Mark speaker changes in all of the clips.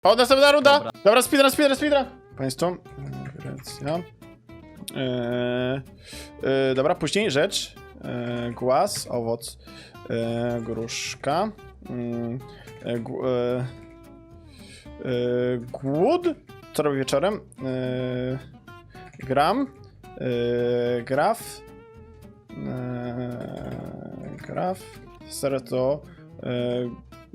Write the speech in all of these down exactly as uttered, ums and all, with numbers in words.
Speaker 1: O, następna runda!
Speaker 2: Dobra.
Speaker 1: Dobra, speedrun, speedrun, speedrun! Państwo. Grecja. Eee, e, dobra, później rzecz. Eee, głaz, owoc. Eee, gruszka. Mm, e, gu- e, e, głód. Co robię wieczorem? Eee, gram. Eee, graf. Eee, graf. Serto. Eee,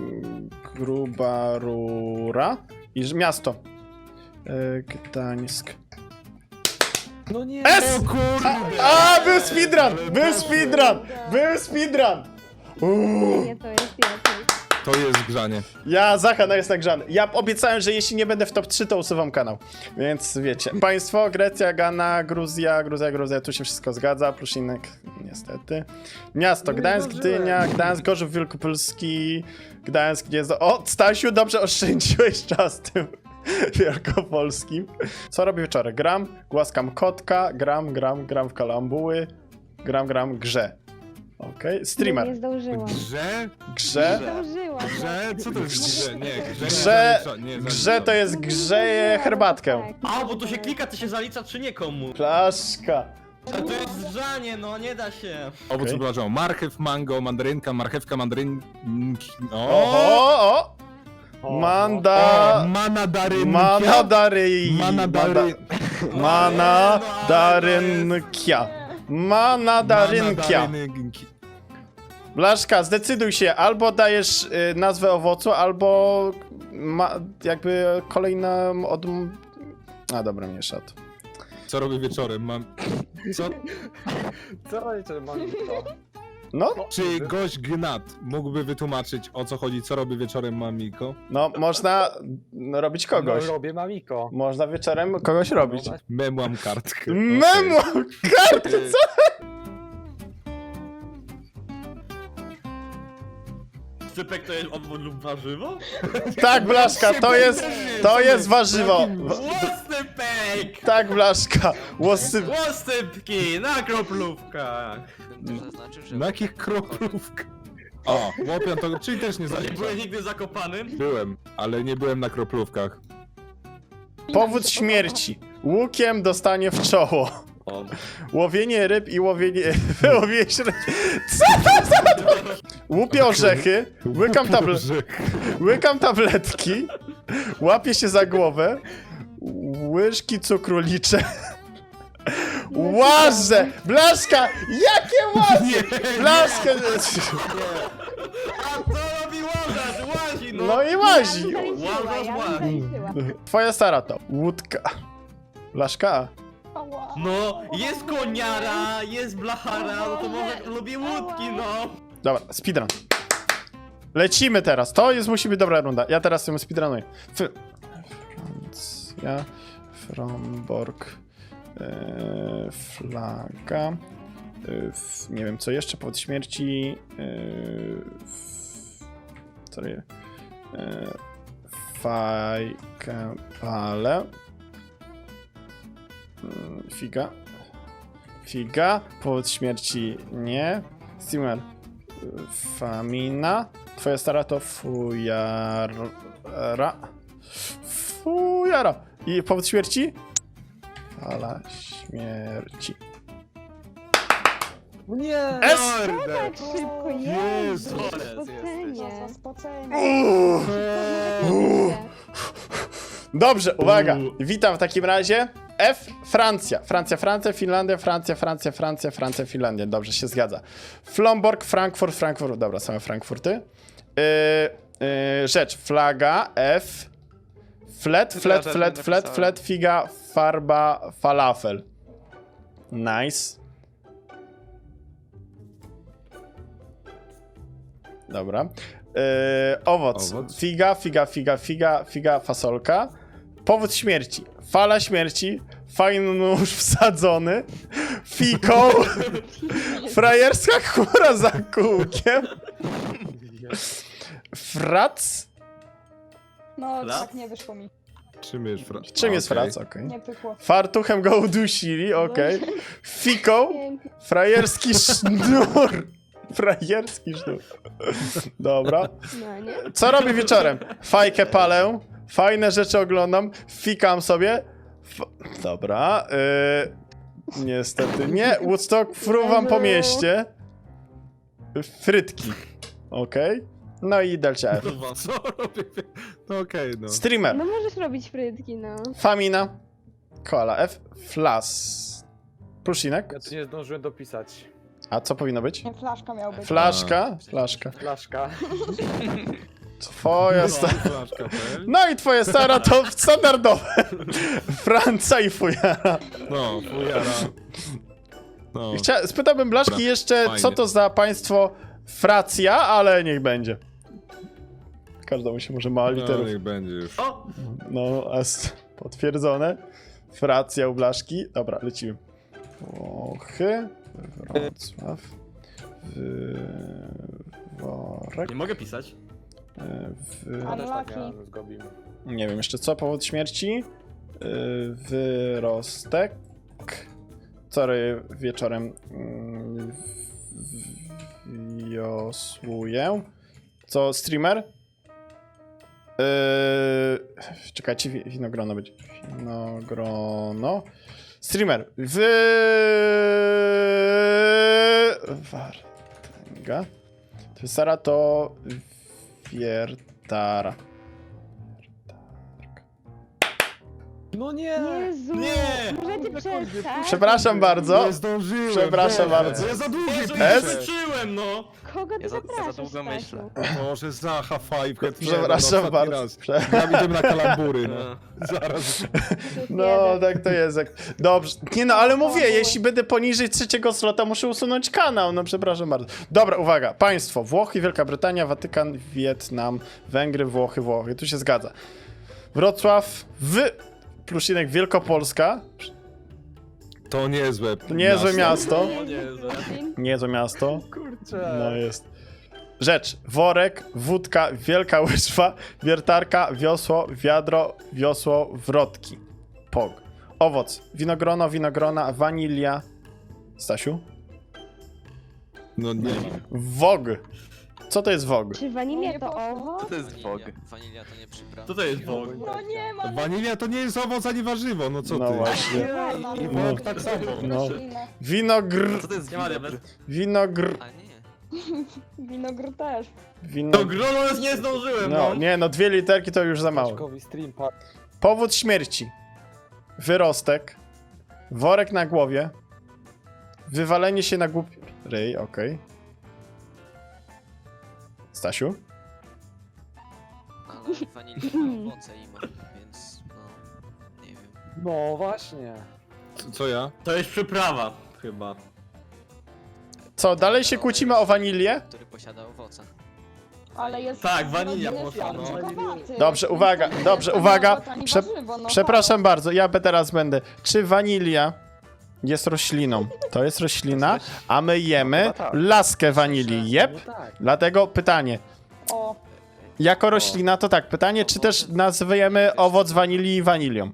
Speaker 1: gruba rura. I ż- miasto. Eee, Gdańsk.
Speaker 3: No nie!
Speaker 1: S!
Speaker 3: O kurde!
Speaker 1: A, był speedrun! Był speedrun! Był speedrun! Uuu.
Speaker 4: Nie, to jest lepiej.
Speaker 3: To jest grzanie.
Speaker 1: Ja, Zachana jest nagrzany. Ja obiecałem, że jeśli nie będę w top trzy, to usuwam kanał. Więc wiecie. Państwo, Grecja, Ghana, Gruzja, Gruzja, Gruzja, tu się wszystko zgadza. Pluszinek, niestety. Miasto,
Speaker 3: Nie
Speaker 1: Gdańsk,
Speaker 3: zdążyłem.
Speaker 1: Gdynia, Gdańsk, Gorzów Wielkopolski, Gdańsk, Gniezno. O, Stasiu, dobrze oszczędziłeś czas tym wielkopolskim. Co robię wieczorem? Gram, głaskam kotka, gram, gram, gram w kalambuły, gram, gram, grze. Okej,
Speaker 4: Nie,
Speaker 1: streamer.
Speaker 4: nie zdążyłam.
Speaker 3: Grze?
Speaker 1: Grze.
Speaker 4: Nie zdążyłam.
Speaker 3: Grze? Co to jest grze? Nie, grze.
Speaker 1: Grze,
Speaker 3: nie, nie, nie,
Speaker 1: grze to jest grzeje herbatkę.
Speaker 4: Tak.
Speaker 2: A, bo to się klika, to się zalicza czy nie komu?
Speaker 1: Flaszka.
Speaker 2: A to jest grzanie, no nie da się.
Speaker 3: Owoc
Speaker 1: Okej.
Speaker 3: okay. Marchew, mango, mandarynka, marchewka, mandaryn... O!
Speaker 1: Oho, o! Manda...
Speaker 3: Manadarynkia.
Speaker 1: Manadary...
Speaker 3: Manadary...
Speaker 1: Manadarynkia. Manadarynkia.
Speaker 3: Manadarynki.
Speaker 1: Blaszka, zdecyduj się, albo dajesz y, nazwę owocu, albo ma, jakby kolejna od... A dobra, nie szat.
Speaker 3: Co robię wieczorem? Mam... Co?
Speaker 5: Co robicie, Moniko?
Speaker 1: No,
Speaker 3: Czy gość Gnat mógłby wytłumaczyć, o co chodzi, co robi wieczorem Mamiko?
Speaker 1: no, można no, robić kogoś.
Speaker 5: No, robię Mamiko.
Speaker 1: Można wieczorem kogoś robić.
Speaker 3: Memłam kartkę.
Speaker 1: Memo! Kartę, co?
Speaker 2: Sypek to jest owoc lub warzywo?
Speaker 1: Tak, Blaszka, to jest, to jest warzywo.
Speaker 2: Łosypek!
Speaker 1: Tak, Blaszka, łosy...
Speaker 2: Łosypki na kroplówkach!
Speaker 6: Bym też zaznaczył, że
Speaker 3: Na jakich kroplówkach? O, łopian to, czyli też nie
Speaker 2: Nie
Speaker 3: zaliczam.
Speaker 2: byłeś nigdy zakopanym?
Speaker 3: Byłem, ale nie byłem na kroplówkach.
Speaker 1: Powód śmierci. Łukiem dostanie w czoło.
Speaker 2: O.
Speaker 1: Łowienie ryb i łowienie... łowienie średnie... Co to za... Łupię orzechy, łykam, table... łykam tabletki, łapię się za głowę, łyżki cukru liczę. Łażę! Blaszka! Jakie łazy? Blaszka!
Speaker 2: A co robi łożarz? Łazi, no!
Speaker 1: No i łazi.
Speaker 4: Ja bym zaliczyła, ja bym zaliczyła.
Speaker 1: Twoja stara to łódka. Blaszka.
Speaker 4: Ała.
Speaker 2: No, jest koniara, jest blachara, no to może lubię łódki, no!
Speaker 1: Dobra, speedrun. Lecimy teraz. To jest musi być dobra runda. Ja teraz ją speedrunuję. F Francja. Fromborg. Yy, flaga. Yy, f nie wiem co jeszcze. Powód śmierci. Yy, f co je? Yy, fajkę palę. Yy, figa. Figa. Powód śmierci nie. Steamer. Famina. Twoja stara to fujara. Fujara. I powód śmierci? Fala śmierci.
Speaker 5: Nie!
Speaker 1: S!
Speaker 4: Tak szybko,
Speaker 3: Jezu.
Speaker 4: Jezu. Spocenie.
Speaker 5: Spocenie.
Speaker 1: Uuu. Uuu. Dobrze, uwaga.
Speaker 2: Uuu.
Speaker 1: Witam w takim razie. F. Francja. Francja, Francja, Finlandia, Francja, Francja, Francja, Francja, Finlandia. Dobrze, się zgadza. Flomborg, Frankfurt, Frankfurt. Dobra, same Frankfurty. Yy, yy, rzecz. Flaga. F. Flet, flet,
Speaker 6: Ja
Speaker 1: flet,
Speaker 6: tak
Speaker 1: flet,
Speaker 6: napisałem.
Speaker 1: flet, figa, farba, falafel. Nice. Dobra. Yy, owoc.
Speaker 3: Owoc.
Speaker 1: Figa, figa, figa, figa, figa, fasolka. Powód śmierci. Fala śmierci. Fajny nóż wsadzony. Fiko. Frajerska chmura za kółkiem. Frac.
Speaker 7: No,
Speaker 2: Flac?
Speaker 7: tak nie wyszło mi.
Speaker 3: Czym jest fra...
Speaker 1: Czym jest
Speaker 3: Okej.
Speaker 1: frac? Okej.
Speaker 7: Nie pykło.
Speaker 1: Fartuchem go udusili, okej. Fiko. Frajerski sznur. Frajerski sznur. Dobra.
Speaker 4: No nie?
Speaker 1: Co robię wieczorem? Fajkę palę. Fajne rzeczy oglądam, fikam sobie. F Dobra, yy, niestety nie. Woodstock, fruwam po mieście. Frytki, okej. No i delcia F.
Speaker 3: Kurwa, co robię? No okej, no.
Speaker 1: Streamer,
Speaker 4: No możesz robić frytki, no.
Speaker 1: Famina, Koala F, Flas. Prusinek.
Speaker 5: Ja tu nie zdążyłem dopisać.
Speaker 1: A co powinno być?
Speaker 7: Nie, flaszka miał być.
Speaker 1: Flaszka, flaszka.
Speaker 5: Flaszka.
Speaker 1: Twoja
Speaker 3: No,
Speaker 1: stara.
Speaker 3: flaszka, pel.
Speaker 1: No i twoje stara to standardowe. Franca i fujara.
Speaker 3: No, fujara. No,
Speaker 1: Chcia... Spytałbym Blaszki
Speaker 3: Dobra,
Speaker 1: jeszcze, co
Speaker 3: fajnie.
Speaker 1: to za państwo Fracja, ale niech będzie. Każdemu się może mała
Speaker 3: no
Speaker 1: literów.
Speaker 3: niech będzie już.
Speaker 2: O!
Speaker 1: No, a s- potwierdzone. Fracja u Blaszki. Dobra, lecimy. Włochy, Wrocław, Worek,
Speaker 2: Nie mogę pisać.
Speaker 1: w...
Speaker 5: Ja też tak
Speaker 7: Unlucky.
Speaker 5: miałem z Gobim.
Speaker 1: Nie wiem jeszcze co, powód śmierci. Yy, wyrostek. Wczoraj wieczorem mm, w- wiosłuję. Co, streamer? Yy, czekajcie, wi- winogrono będzie. Winogrono. Streamer. Wy... Wartęga. Sara to wiertara.
Speaker 5: No nie!
Speaker 4: Jezu,
Speaker 2: Nie!
Speaker 4: możecie przestać?
Speaker 1: Przepraszam bardzo.
Speaker 3: Nie zdążyłem.
Speaker 1: Przepraszam
Speaker 3: Boże.
Speaker 1: bardzo.
Speaker 3: Ja za długo
Speaker 2: Jezu,
Speaker 1: S?
Speaker 2: nie skończyłem, no!
Speaker 4: Kogo ty
Speaker 6: Ja za- ja za
Speaker 4: zapraszasz,
Speaker 6: długo
Speaker 4: Stasiu?
Speaker 6: myślę.
Speaker 3: Może Zacha Five.
Speaker 1: Przepraszam bardzo. Prze-
Speaker 3: Ja idziemy na kalambury, no.
Speaker 2: No.
Speaker 3: Zaraz.
Speaker 1: No, tak to jest. jak- Dobrze. Nie no, ale mówię, jeśli będę poniżej trzeciego slota, muszę usunąć kanał. No, przepraszam bardzo. Dobra, uwaga. Państwo. Włochy, Wielka Brytania, Watykan, Wietnam, Węgry, Włochy, Włochy. Tu się zgadza. Wrocław, w... Plusinek Wielkopolska.
Speaker 3: To niezłe.
Speaker 1: To niezłe miasto.
Speaker 2: O Jezu.
Speaker 1: Niezłe miasto.
Speaker 5: Kurczę.
Speaker 1: No jest. Rzecz. Worek, wódka, wielka łyżwa, wiertarka, wiosło, wiadro, wiosło, wrotki. Pog. Owoc. Winogrono, winogrona, wanilia. Stasiu?
Speaker 3: No nie wiem.
Speaker 1: Wog. Co to jest wog?
Speaker 4: Czy wanilia
Speaker 7: Nie
Speaker 4: to
Speaker 7: poszło.
Speaker 4: owoc?
Speaker 6: Co to jest
Speaker 8: Wanilia.
Speaker 6: fog?
Speaker 8: Wanilia to nie przyprawa.
Speaker 2: Co to jest Bóg?
Speaker 7: No nie ma.
Speaker 3: Wanilia to nie jest owoc ani warzywo, no co
Speaker 1: No
Speaker 3: ty?
Speaker 1: właśnie.
Speaker 3: I, i
Speaker 1: No.
Speaker 3: wok tak samo.
Speaker 1: No. Winogr.
Speaker 6: Co to jest
Speaker 2: Nie ma
Speaker 6: winogr?
Speaker 2: diabet.
Speaker 1: Winogr.
Speaker 8: A nie.
Speaker 7: Winogr też.
Speaker 1: Wino...
Speaker 2: No grono już nie zdążyłem,
Speaker 1: No,
Speaker 2: no!
Speaker 1: nie, no dwie literki to już za mało.
Speaker 5: Paczkowy stream pa-
Speaker 1: Powód śmierci. Wyrostek. Worek na głowie. Wywalenie się na głupi... Ryj, okej. Stasiu?
Speaker 8: Ale wanilia ma owoce i ma, więc no... Nie wiem.
Speaker 5: No właśnie.
Speaker 3: Co, co ja?
Speaker 2: To jest przyprawa, chyba.
Speaker 1: Co, dalej się kłócimy o wanilię?
Speaker 8: Który posiada owoce.
Speaker 7: Ale jest...
Speaker 2: Tak, wanilia
Speaker 7: jest
Speaker 2: poszła, no.
Speaker 7: czarnkowaty.
Speaker 1: Dobrze, uwaga,
Speaker 7: To nie
Speaker 1: dobrze,
Speaker 7: jest
Speaker 1: uwaga.
Speaker 7: owoc ani
Speaker 1: Prze
Speaker 7: warzywo, no
Speaker 1: przepraszam bardzo, ja be- teraz będę. Czy wanilia jest rośliną? To jest roślina, a my jemy
Speaker 5: Chyba tak.
Speaker 1: laskę wanilii. Jep.
Speaker 5: No tak.
Speaker 1: Dlatego pytanie.
Speaker 7: tak. O,
Speaker 1: Jako roślina to tak, pytanie, czy też nazwiemy owoc wanilii wanilią?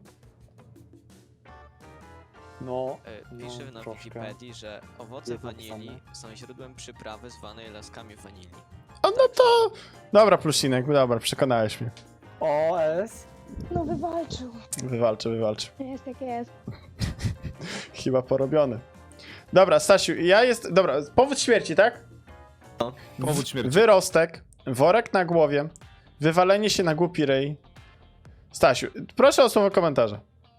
Speaker 5: No.
Speaker 8: E,
Speaker 5: No,
Speaker 8: Pisze na
Speaker 5: troszkę.
Speaker 8: Wikipedii, że owoce
Speaker 5: Jest
Speaker 8: wanilii
Speaker 5: napisane.
Speaker 8: są źródłem przyprawy zwanej laskami wanilii.
Speaker 1: O, no to... Dobra, plusinek, dobra, przekonałeś mnie.
Speaker 5: O, S.
Speaker 7: no wywalczył.
Speaker 1: Wywalczę, wywalczę.
Speaker 4: Jest jak jest.
Speaker 1: Chyba porobiony. Dobra, Stasiu, ja jest... Dobra, powód śmierci, tak?
Speaker 3: Powód śmierci.
Speaker 1: Wyrostek, worek na głowie, wywalenie się na głupi ryj. Stasiu, proszę o słowo komentarza.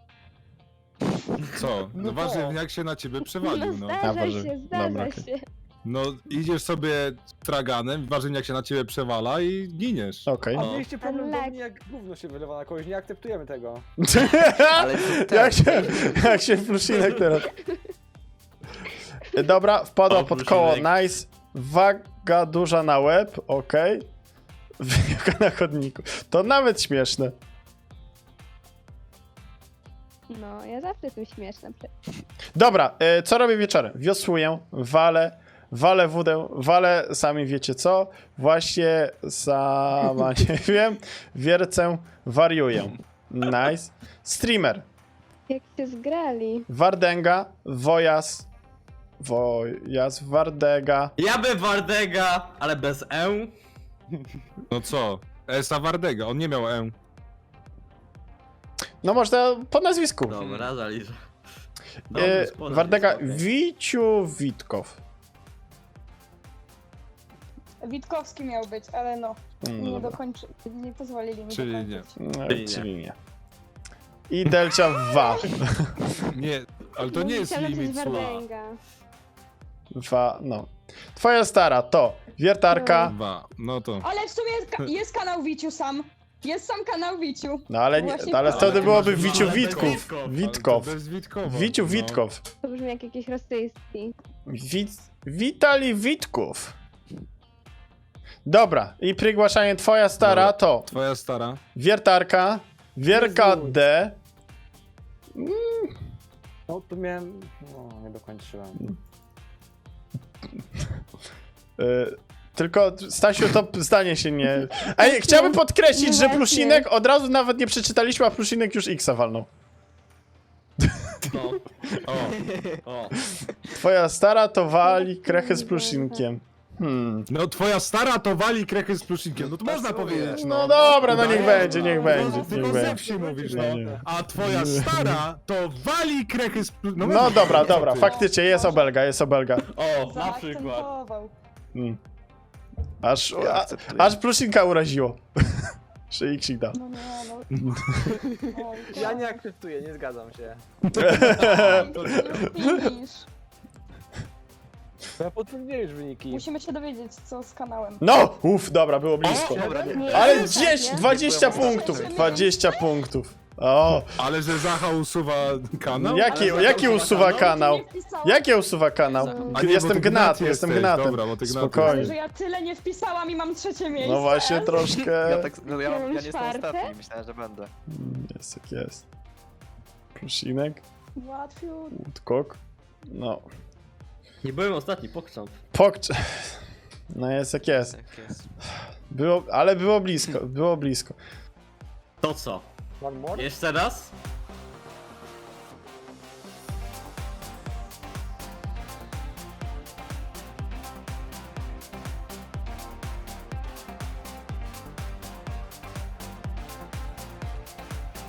Speaker 3: Co? No,
Speaker 5: No
Speaker 3: warzywniak się na ciebie przewalił, no.
Speaker 4: No
Speaker 1: A,
Speaker 4: zdarza
Speaker 1: Boże.
Speaker 4: się, zdarza
Speaker 1: Dobra, okej.
Speaker 4: się.
Speaker 3: No, idziesz sobie traganem, warzywniak się na ciebie przewala i giniesz.
Speaker 1: Okej.
Speaker 5: A
Speaker 2: No.
Speaker 5: mieliście problem do
Speaker 4: Ale-
Speaker 5: mnie, jak gówno się wylewa na kogoś, nie akceptujemy tego.
Speaker 6: Ale to
Speaker 1: jak,
Speaker 6: ten.
Speaker 1: się, jak się plusinek teraz. Dobra, wpadła
Speaker 2: O,
Speaker 1: pod koło,
Speaker 2: Plusinek.
Speaker 1: nice. Waga duża na łeb, okej. Wyjaka na chodniku. To nawet śmieszne.
Speaker 4: No, ja zawsze jestem śmieszna.
Speaker 1: Dobra, y, co robię wieczorem? Wiosłuję, walę, walę wódę, walę, sami wiecie co. Właśnie sama nie wiem. Wiercę, wariuję. Nice. Streamer.
Speaker 4: Jak się zgrali.
Speaker 1: Wardęga, Wojas, Wojas, Wardega.
Speaker 2: Ja bym Wardega, ale bez E.
Speaker 3: No co? Esa Wardega, on nie miał E.
Speaker 1: No można po nazwisku.
Speaker 2: Dobra, zaliczę.
Speaker 1: E,
Speaker 2: Dobrze, spodem
Speaker 1: Wardega,
Speaker 2: jest, okej.
Speaker 1: Wiciu Witkow.
Speaker 7: Witkowski miał być, ale no,
Speaker 1: Mm,
Speaker 7: nie
Speaker 1: dobra.
Speaker 7: dokończy, nie pozwolili mi
Speaker 3: Czyli
Speaker 7: dokończyć.
Speaker 1: No,
Speaker 2: Czyli nie.
Speaker 1: czyli nie. I Delcia Wa.
Speaker 3: Nie, ale to nie jest
Speaker 4: Chciałam
Speaker 3: limit
Speaker 4: napisać
Speaker 3: słowa.
Speaker 4: Wardęga.
Speaker 1: Wa, no. Twoja stara to wiertarka,
Speaker 3: Dwa, no to...
Speaker 7: Ale w sumie jest, ka- jest kanał Wiciu sam. Jest sam kanał Wiciu.
Speaker 1: no ale, nie,
Speaker 7: Właśnie
Speaker 1: no, ale
Speaker 7: to.
Speaker 1: wtedy byłoby
Speaker 2: Ale
Speaker 1: Wiciu
Speaker 2: bez
Speaker 1: Witków.
Speaker 2: Witków.
Speaker 3: Ale to
Speaker 1: Witkow.
Speaker 3: bez Witkowa.
Speaker 1: Wiciu
Speaker 3: no.
Speaker 1: Witkow.
Speaker 4: To brzmi jak jakiś rosyjski.
Speaker 1: Wit, Witali Witków. Dobra, i przygłaszanie twoja stara
Speaker 3: Dobra.
Speaker 1: to
Speaker 3: Twoja stara.
Speaker 1: wiertarka, wierka
Speaker 5: Jezu.
Speaker 1: D.
Speaker 5: No tu miałem... No, nie dokończyłem.
Speaker 1: Y, tylko Stasiu, to zdanie się nie... Ej, chciałbym podkreślić,
Speaker 4: No
Speaker 1: że
Speaker 4: właśnie.
Speaker 1: Plusinek od razu nawet nie przeczytaliśmy, a Plusinek już X walnął.
Speaker 3: No. O,
Speaker 2: O,
Speaker 1: Twoja stara to wali krechę z Plusinkiem. Hmm.
Speaker 3: no twoja stara to wali krechy z pluszinkiem, no to można powiedzieć, no.
Speaker 1: No dobra, no niech
Speaker 3: Udaje,
Speaker 1: będzie, niech
Speaker 3: no.
Speaker 1: będzie,
Speaker 3: Tylko
Speaker 1: niech
Speaker 3: ze
Speaker 1: będzie.
Speaker 3: wsi mówisz, no.
Speaker 1: Nie, nie.
Speaker 3: A twoja stara to wali krechy z pluszinkiem.
Speaker 1: No dobra, dobra, faktycznie jest obelga, jest obelga.
Speaker 2: o, na przykład.
Speaker 7: Zaakcentował.
Speaker 1: Hmm. Aż,
Speaker 6: Ja
Speaker 1: a,
Speaker 6: akceptuję.
Speaker 1: aż Plusinka uraziło. Że Xik da.
Speaker 7: No nie, no. Oj,
Speaker 5: Ja nie akceptuję, nie zgadzam się.
Speaker 7: Finish.
Speaker 5: Ja potwierdziłem już wyniki.
Speaker 7: Musimy się dowiedzieć, co z kanałem.
Speaker 1: No! Uff, dobra, było blisko.
Speaker 6: Dobra, nie.
Speaker 4: Nie,
Speaker 1: Ale
Speaker 4: nie,
Speaker 1: gdzieś
Speaker 4: nie.
Speaker 1: dwadzieścia
Speaker 6: Nie byłem
Speaker 1: punktów,
Speaker 7: ostatni.
Speaker 1: dwadzieścia punktów. O,
Speaker 3: Ale że Zacha usuwa kanał?
Speaker 1: jaki,
Speaker 2: Ale
Speaker 1: jaki
Speaker 2: zaraz
Speaker 1: usuwa
Speaker 2: zobaczę,
Speaker 1: kanał?
Speaker 7: Nie wpisałam,
Speaker 1: Jakie usuwa kanał?
Speaker 3: A nie, bo
Speaker 1: Jestem
Speaker 3: ty
Speaker 1: gnat,
Speaker 3: gnat
Speaker 1: jestem
Speaker 3: jesteś.
Speaker 1: gnatem.
Speaker 3: Dobra, bo ty gnat
Speaker 1: Spokojnie.
Speaker 7: że ja tyle nie wpisałam i mam trzecie miejsce.
Speaker 1: No właśnie,
Speaker 6: Ja,
Speaker 1: troszkę...
Speaker 6: tak, no, ja,
Speaker 4: Ja
Speaker 6: ja
Speaker 4: mam
Speaker 6: nie jestem
Speaker 4: czwarte?
Speaker 6: ostatni, myślałem, że będę.
Speaker 1: Mm, Jest jak jest. Plusinek,
Speaker 7: Łatwiej.
Speaker 1: Woodcock. No.
Speaker 2: Nie byłem ostatni, pokrzam.
Speaker 1: Pokcz... No jest jak jest.
Speaker 6: Tak jest.
Speaker 1: Było, ale było blisko, było blisko.
Speaker 2: To co?
Speaker 5: One more?
Speaker 2: Jeszcze raz?